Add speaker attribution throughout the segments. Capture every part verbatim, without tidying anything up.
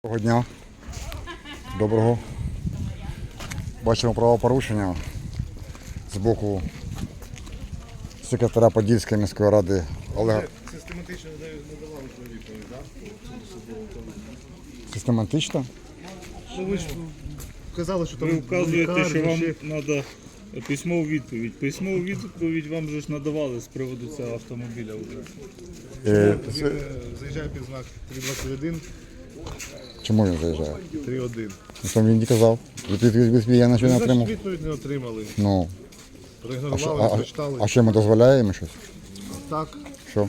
Speaker 1: Доброго дня. Доброго. Бачимо правопорушення з боку секретаря Подільської міської ради Олега.
Speaker 2: Систематично не давали відповідь, так?
Speaker 1: Систематично?
Speaker 2: Ну, ви ж казали, що там
Speaker 3: Ви вказуєте, що вам
Speaker 2: ще...
Speaker 3: треба письмову відповідь. Письмову відповідь вам же ж надавали з приводу цього автомобіля вже.
Speaker 1: Е,
Speaker 2: Він е, заїжджає під знак три двадцять один,
Speaker 1: Чому він заїжджає?
Speaker 2: три один.
Speaker 1: Що він не казав? Відповідь від- від- Я нічого не
Speaker 2: Значить,
Speaker 1: отримав.
Speaker 2: відповідь не отримали.
Speaker 1: Ну, а що,
Speaker 2: Проігнорували,
Speaker 1: а,
Speaker 2: не
Speaker 1: а,
Speaker 2: прочитали.
Speaker 1: а що ми дозволяємо щось?
Speaker 2: Так.
Speaker 1: Що?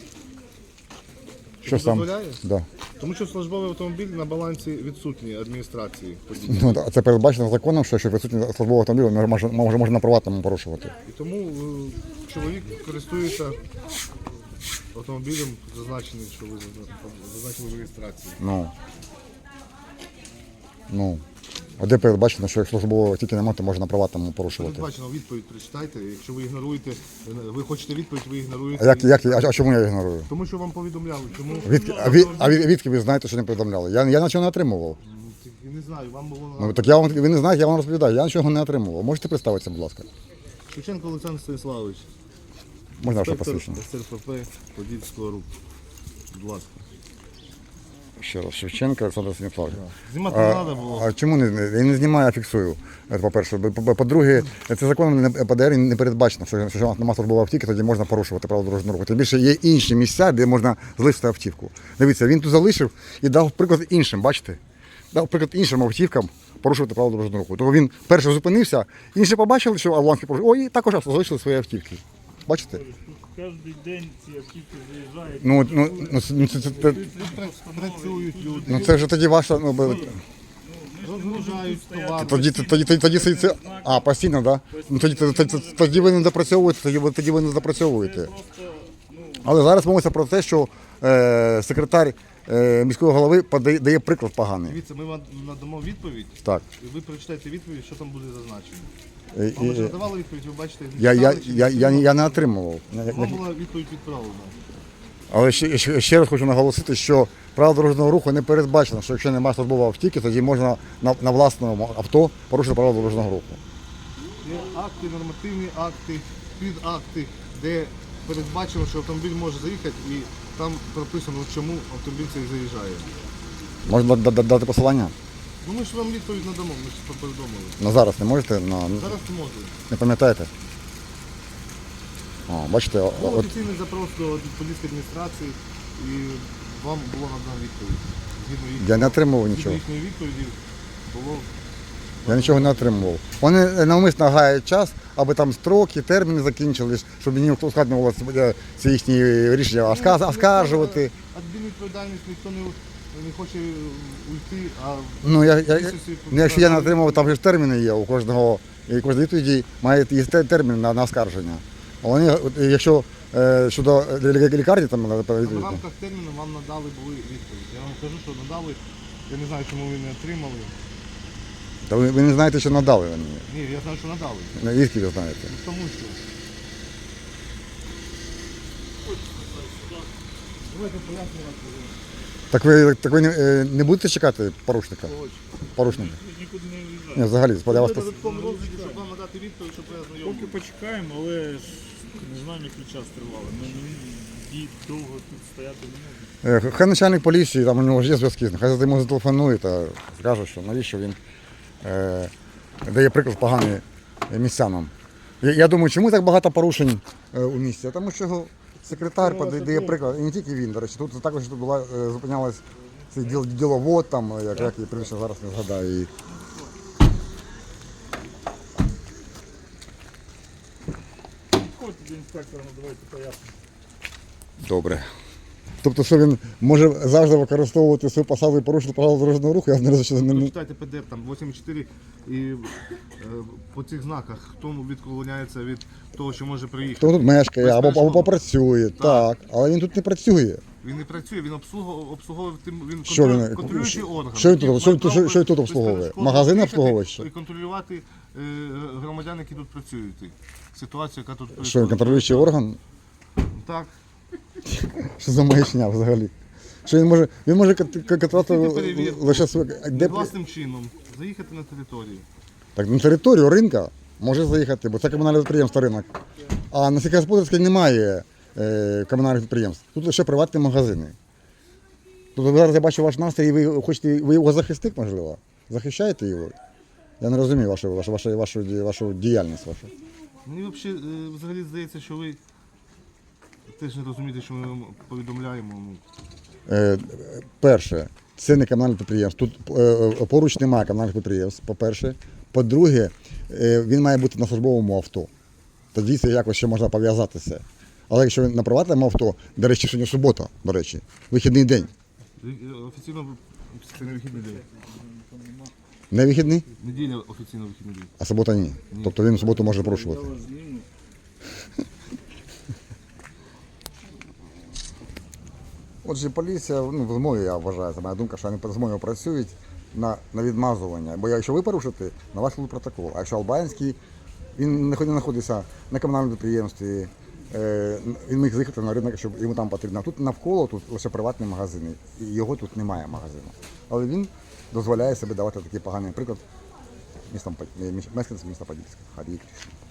Speaker 1: Що
Speaker 2: Що
Speaker 1: сам?
Speaker 2: дозволяє?
Speaker 1: Да.
Speaker 2: Тому що службовий автомобіль на балансі відсутній адміністрації. Подільської.
Speaker 1: Ну, а це передбачено законом, що, що відсутній службовий автомобіль може, може, може на приватному порушувати.
Speaker 2: І тому е, чоловік користується автомобілем, зазначеним, що ви зазна- зазначили в реєстрації.
Speaker 1: Ну. Ну. А де передбачено, що якщо службового тільки немає, то можна на приватному порушувати.
Speaker 2: Передбачено відповідь прочитайте. Якщо ви ігноруєте, ви хочете відповідь, ви
Speaker 1: А,
Speaker 2: ігноруєте.
Speaker 1: як, як, а, а чому я ігнорую?
Speaker 2: Тому що вам повідомляли, чому
Speaker 1: Відки, а, від, а від, відки ви знаєте, що не повідомляли? Я, я нічого не отримував.
Speaker 2: Я не знаю, вам було
Speaker 1: Ну, так я вам, ви не знаєте, я вам розповідаю, я нічого не отримував. Можете представитися, будь ласка?
Speaker 2: Шевченко Олександр Станіславович,
Speaker 1: Можна ваше
Speaker 2: інспектор
Speaker 1: посвідчення?
Speaker 2: С Р П П Подільського руху. Будь ласка.
Speaker 1: Ще раз, Шевченко Олександр Станіславович.
Speaker 2: Знімати не треба було.
Speaker 1: А чому не, я не знімаю, а фіксую? Це по-перше. По- По-друге, це законом не- По Д Р не передбачено, що якщо у нас немає службової автівки, тоді можна порушувати правила дорожнього руху. Тим більше є інші місця, де можна залишити автівку. Дивіться, він тут залишив і дав приклад іншим, бачите? Дав приклад іншим автівкам порушувати правила дорожнього руху. Тому він перший зупинився, інші побачили, що авланки порушили, ой, і також залишили свої автівки. Бачите?
Speaker 3: Кожен день ці автівки заїжджають.
Speaker 1: Ну, ну, ну, це, ну, це, це, це,
Speaker 2: Працюють люди,
Speaker 1: ну, це вже тоді ваша. Ну, бе-
Speaker 2: розгружають товар.
Speaker 1: Тоді, тоді, тоді, тоді, тоді це, це- а, постійно, так? Да? Ну, тоді, тоді, тоді, тоді ви не допрацьовуєте, тоді, ви- тоді ви не допрацьовуєте. Але зараз мовиться про те, що е, секретар е, міського голови подає, дає приклад поганий.
Speaker 2: Дивіться, ми вам надамо відповідь,
Speaker 1: Так.
Speaker 2: і ви прочитаєте відповідь, що там буде зазначено.
Speaker 1: Е,
Speaker 2: Вам вже
Speaker 1: е,
Speaker 2: надавали відповідь, ви бачите,
Speaker 1: Я, я,
Speaker 2: читали, чи
Speaker 1: я, я,
Speaker 2: читали?
Speaker 1: я не отримував.
Speaker 2: Вам була відповідь відправлена.
Speaker 1: Але ще, ще, ще раз хочу наголосити, що правила дорожнього руху не передбачено, що якщо немає службової автівки, тоді можна на, на власному авто порушити правила дорожнього руху.
Speaker 2: Є акти, нормативні акти, підакти, де передбачено, що автомобіль може заїхати, і там прописано, чому автомобіль цей заїжджає.
Speaker 1: Можна да- да- дати посилання?
Speaker 2: Ну ми ж вам відповідь надамо, ми ж повідомили.
Speaker 1: На зараз не можете? На,
Speaker 2: Зараз не можу.
Speaker 1: не пам'ятаєте? О, бачите, о-
Speaker 2: Був
Speaker 1: от,
Speaker 2: офіційний запрос до Подільської адміністрації, і вам було надано відповідь. Згідно їх-
Speaker 1: я не отримував
Speaker 2: згідно
Speaker 1: нічого.
Speaker 2: їхньої відповіді було.
Speaker 1: Я нічого не отримував. Вони навмисно гають час, аби там строки, терміни закінчились, щоб мені ускладнювалося е, ці їхні рішення осказ- оскаржувати.
Speaker 2: Адмінвідповідальність ніхто не, не хоче уйти, а
Speaker 1: Ну, я, я,
Speaker 2: місяці
Speaker 1: ну, якщо я не отримав, там же ж терміни є у кожного, і кожної відповіді має є те- термін на, на оскарження. А вони, от, якщо е, щодо лі- лікарні, там треба
Speaker 2: в
Speaker 1: відповідь.
Speaker 2: рамках терміну вам надали були відповідь. Я вам кажу, що надали. Я не знаю, чому ви не отримали.
Speaker 1: Та ви, ви не знаєте, що надали мені.
Speaker 2: Ні, я знаю, що надали.
Speaker 1: Ну, Звідки ви знаєте?
Speaker 2: Ну, Тому що. Давайте пояснювати.
Speaker 1: Так ви, так ви не, е, не будете чекати порушника? Порушника?
Speaker 3: Нікуди не виїжджають.
Speaker 1: Ні, взагалі, я вас
Speaker 2: Буде
Speaker 1: пос-
Speaker 2: додатковий розгляд, щоб вам надати відповідь, щоб ви
Speaker 3: Поки
Speaker 2: ознайомили.
Speaker 3: почекаємо, але ж не знаємо, який час тривали. Ми не ді- довго тут стояти не можемо.
Speaker 1: Е, Хай начальник поліції, там у нього ж є зв'язки, хай йому зателефонує та скаже, що навіщо він е, дає приклад поганий містянам. Я, я думаю, чому так багато порушень е, у місті? Тому що секретар подає дає приклад, і не тільки він, до речі, тут також тут була, е, зупинялась цей діл, діловод, там, е, як, як її прізвище зараз не згадаю. І...
Speaker 3: Ходьте до інспектора, надавайте пояснення.
Speaker 1: Добре. Тобто, що він може завжди використовувати свою посаду і порушити правила дорожнього руху, я не розумію, що не...
Speaker 2: Прочитайте П Д Ф, там вісім чотири, і е, по цих знаках, хто відклоняється від того, що може приїхати.
Speaker 1: Хто тут мешкає або, або
Speaker 2: Безперечно.
Speaker 1: попрацює, так. але він тут не працює.
Speaker 2: Він не працює, він обслуговує, обслуговує тим, він
Speaker 1: Що
Speaker 2: контролює,
Speaker 1: він-
Speaker 2: контролюючий орган.
Speaker 1: що він тут-
Speaker 2: який
Speaker 1: що він
Speaker 2: має
Speaker 1: тут-
Speaker 2: право
Speaker 1: що він тут
Speaker 2: без-
Speaker 1: обслуговує?
Speaker 2: безперешкодно
Speaker 1: Магазин
Speaker 2: приїхати
Speaker 1: обслуговує ще?
Speaker 2: І контролювати е, громадян, які тут працюють. Ситуацію, яка тут
Speaker 1: Що він контролюючий орган?
Speaker 2: Так.
Speaker 1: Що за маячня взагалі? Що він може, він може кат- катати
Speaker 2: Тільки перевірку.
Speaker 1: лише своє. Де,
Speaker 2: Власним чином заїхати на територію.
Speaker 1: так, на територію ринка може заїхати, бо це комунальне підприємство ринок. А на сільськогосподарській немає е, комунальних підприємств. Тут лише приватні магазини. Тобто зараз я бачу ваш настрій, і ви хочете, ви його захисник, можливо? Захищаєте його? Я не розумію вашу, вашу, вашу, вашу, ді- вашу діяльність вашу.
Speaker 2: Мені взагалі, е, взагалі здається, що ви теж не розумієте, що ми вам повідомляємо. Ну,
Speaker 1: Е, перше, це не комунальне підприємство. Тут е, поруч немає комунальних підприємств, по-перше. По-друге, е, він має бути на службовому авто. Тоді це якось ще можна пов'язатися. Але якщо він на приватному авто, до речі, сьогодні субота, до речі, вихідний день.
Speaker 2: е, офіційно це не вихідний день.
Speaker 1: Не вихідний,
Speaker 2: Неділя офіційно вихідний день.
Speaker 1: а субота ні. Тобто він в суботу може порушувати.
Speaker 3: Я вас зніму.
Speaker 1: Отже, поліція, ну, в змові, я вважаю, це моя думка, що вони по змові працюють на, на відмазування. Бо якщо ви порушите, на вас буде протокол. А якщо Албанський, він не знаходиться на комунальному підприємстві, е, він міг заїхати на ринок, щоб йому там потрібно. Тут навколо тут лише приватні магазини, і його тут немає магазину. Але він дозволяє собі давати такий поганий приклад містом, мешканцям міста Подільська. Харі Кришна.